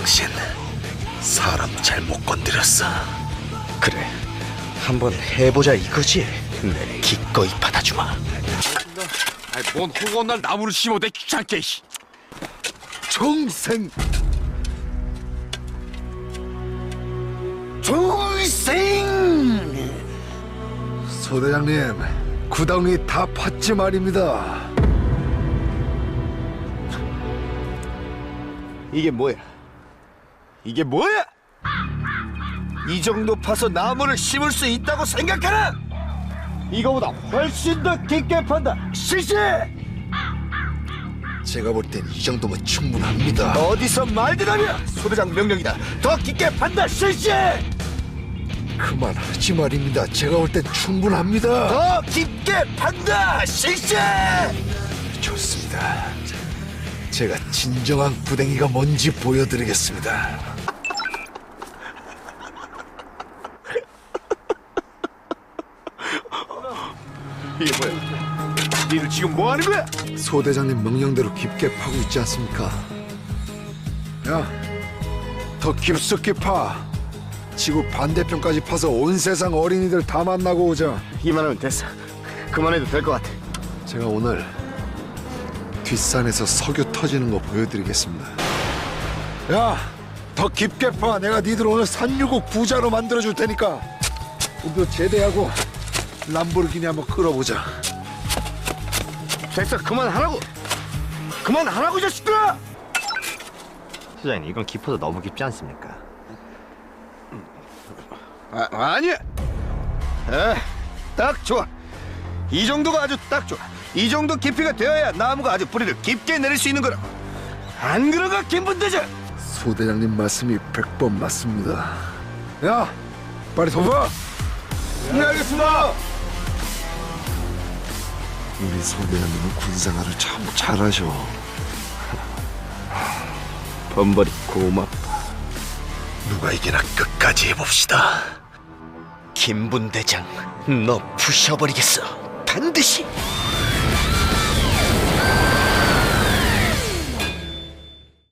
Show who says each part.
Speaker 1: 당신 사람 잘못 건드렸어.
Speaker 2: 그래, 한번 해보자 이거지. 내 기꺼이 받아주마.
Speaker 3: 뭔 허구한 날 나무를 심어대 귀찮게.
Speaker 1: 종생 종생. 소대장님, 구덩이 다 팠지 말입니다.
Speaker 2: 이게 뭐야? 이게 뭐야? 이 정도 파서 나무를 심을 수 있다고 생각하나? 이거보다 훨씬 더 깊게 판다. 실시!
Speaker 1: 제가 볼 땐 이 정도면 충분합니다.
Speaker 2: 어디서 말들 하냐? 소대장 명령이다. 더 깊게 판다. 실시!
Speaker 1: 그만하지 말입니다. 제가 볼 땐 충분합니다.
Speaker 2: 더 깊게 판다. 실시!
Speaker 1: 좋습니다. 제가 진정한 구덩이가 뭔지 보여드리겠습니다.
Speaker 2: 이게 뭐야? 니들 지금 뭐 하는 거야?
Speaker 1: 소대장님 명령대로 깊게 파고 있지 않습니까? 야, 더 깊숙이 파. 지구 반대편까지 파서 온 세상 어린이들 다 만나고 오자.
Speaker 2: 이만하면 됐어. 그만해도 될 것 같아.
Speaker 1: 제가 오늘 뒷산에서 석유 터지는 거 보여드리겠습니다. 야, 더 깊게 파. 내가 니들 오늘 산유국 부자로 만들어줄 테니까. 우리도 제대하고 람보르기니 한번 끌어보자.
Speaker 2: 됐어. 그만하라고. 그만하라고, 이 자식들아! 소장님, 이건 깊어도 너무 깊지 않습니까?
Speaker 3: 아니야.
Speaker 2: 딱 좋아. 이 정도가 아주 딱 좋아. 이 정도 깊이가 되어야 나무가 아주 뿌리를 깊게 내릴 수 있는 거라. 안 그런가, 김분대장?
Speaker 1: 소대장님 말씀이 100번 맞습니다. 야, 빨리 덮어.
Speaker 2: 네, 알겠습니다.
Speaker 1: 우리 소대장님은 군생활을 참 잘하셔.
Speaker 2: 범벌이 고맙다.
Speaker 1: 누가 이기나 끝까지 해봅시다.
Speaker 2: 김분대장, 너 부셔버리겠어. 반드시.